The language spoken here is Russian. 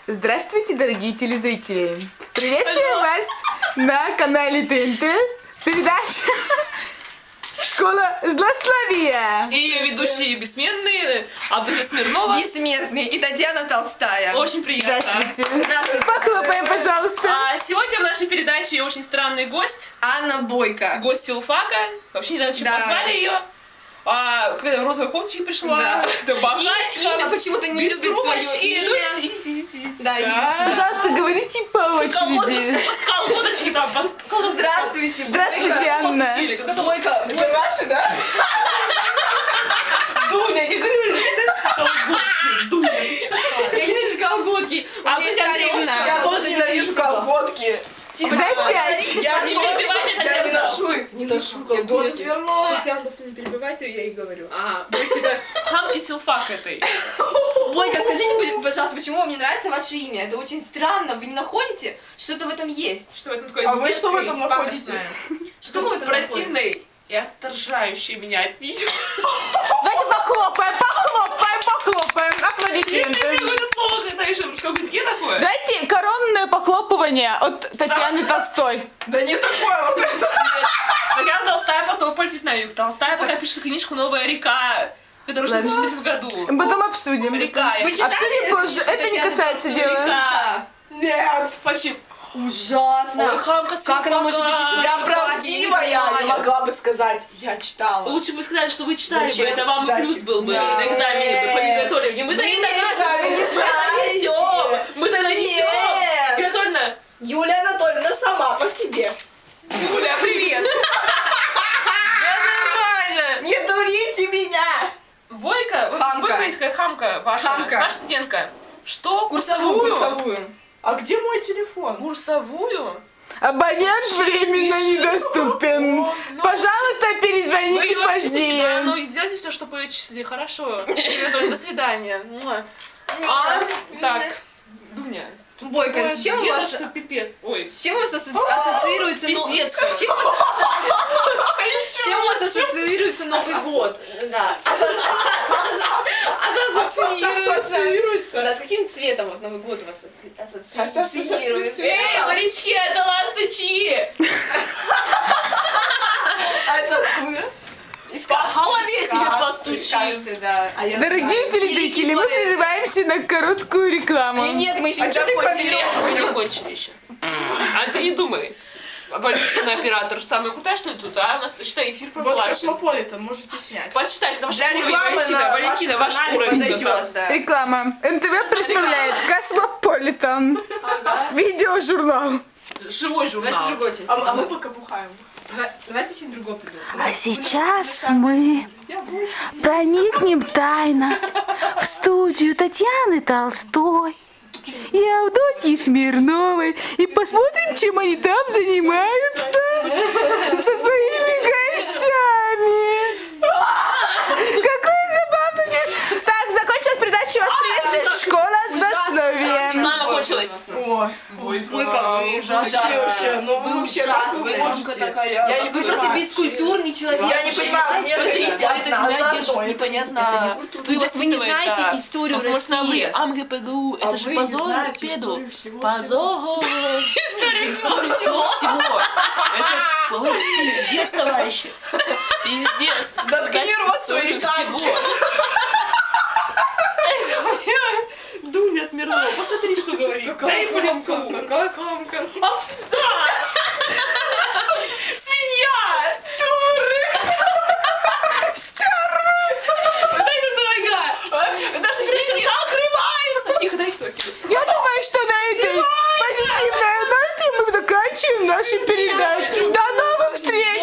Здравствуйте, дорогие телезрители! Приветствую вас на канале ТНТ. Передача «Школа злословия». И ее ведущие бессменные Абдулла Смирнова. Бессмертный. И Татьяна Толстая. Очень приятно. Здравствуйте. Здравствуйте. Похлопаем, пожалуйста. Сегодня в нашей передаче очень странный гость. Анна Бойко. Гость филфака. Вообще не знаю, зачем Да. позвали ее. Когда в розовой кофточке пришла, Да. это богатька. Имя почему-то не без любит свое трубочки. имя. Ну, идите. Да, идите сюда. Пожалуйста, говорите по очереди. Колодочки там. Здравствуйте, Здравствуйте, Анна. Бойко. Вы ваши, да? Дуня, я говорю, это колготки. Дуня, ты что такая? Я ненавижу колготки. У А меня есть Катя Андреевна? коробочка, Я вот тоже это ненавижу висела. колготки. Тихо, Дай тихо. пять. Я Не не перебивайте, Татьяна. не ношу колготки. Дуня Смирнова. Татьяна, просто не перебивайте, я ей говорю. Ага. Это хамки силфак этой. Бойко, скажите, пожалуйста, почему вам не нравится ваше имя? Это очень странно. Вы не находите? Что-то в этом есть. Что это такое? А вы что в этом детское и находите? пафосное? Что мы в этом находим? Противный и отторжающий меня от нее. Давайте похлопаем. Аплодисменты. Это слово, когда еще в русском языке такое. Дайте коронное похлопывание от Татьяны Толстой. Да не такое вот это. Татьяна Толстая потом полетит на юг. Толстая пока пишет книжку «Новая река», которую в Ладно. 63 году. Потом обсудим. Река. Вы читали Обсудим позже. Это не Татьяну касается Толстую дела. «Река»? Нет. Почему? Ужасно. Ой, хамка с Как она может филфака. учить? Я не правдивая, я понимаю. могла бы сказать. Я читала. Лучше бы вы сказали, что вы читали бы, Зачем? это вам и Зачем? плюс был бы Да. на экзамене бы, по приготовлению. Мы-то не знаете. несем. Мы-то несем. Нет. Анатольевна, Юлия Анатольевна сама по себе. Юля, привет. Да нормально. Не дурите меня. Бойко, Хамка. бойкойская хамка ваша, Хамка. наша студентка. Что? Курсовую. А где мой телефон? Курсовую? Абонент временно недоступен. Ну, Пожалуйста, Вы перезвоните его отчислите, да, позднее. ну сделайте все, чтобы вы отчислили, хорошо. До свидания. Муа. Так, Дуня. Бойко, с чем у Где-то вас... что пипец? Ой, С чем у вас ассоциируется пиздец. С чем у вас ассоциируется Новый год? Да. Ассоциируется. Да, с каким цветом вот Новый год у вас ассоциируется? Эй, морячки, это ласточки! А это откуда? Из По голове себе сказки. постучи. Сказки, да. А я Дорогие знаю. телезрители, мы прерываемся на короткую рекламу. Нет, мы еще А не чё закончили. Мы не закончили еще. А ты не думай. Валентина оператор самая крутая, что ли, тут, а? У нас, считай, эфир Вот проплачен. Космополитен, можете снять. Почитай, это ваш Для уровень, рекламы Валентина, на Валентина, вашем ваш канале уровень. подойдет. как раз. Да. Реклама. НТВ представляет Космополитен. Видеожурнал. Живой Давайте журнал. другой очень. А мы пока бухаем. Давайте очень другой придумаем. А сейчас мы Я больше. проникнем тайно в студию Татьяны Толстой и Авдотьи Смирновой и посмотрим, чем они там занимаются со своими гостями. Какой забавный день. Так, закончилась передача. Вас приветствует школа злословия. Реклама кончилась. О, Бойко, вы ужасные вообще. Ну вы вообще как вы ужасные. можете? Такая, Я не Вы просто понимаю. бескультурный человек. Я не понимаю, мне Смотрите, говорите а это одна тебя за держит одной. непонятно. То есть вы не знаете историю России. АМГПГУ, А это же вы не позор знаете педу. историю всего. Позор. Историю Всего. Это ой, пиздец, товарищи. Пиздец. Заткни Знать рот свой историю и так. всего. Дуня Смирнова, посмотри, что говорит. Дай по лицу. Какая хамка. Овца! Свинья! Дай это дорога. Наша передача закрывается! Тихо, дай кто. Я думаю, что на этой позитивной ноте мы заканчиваем нашу передачу. До новых встреч!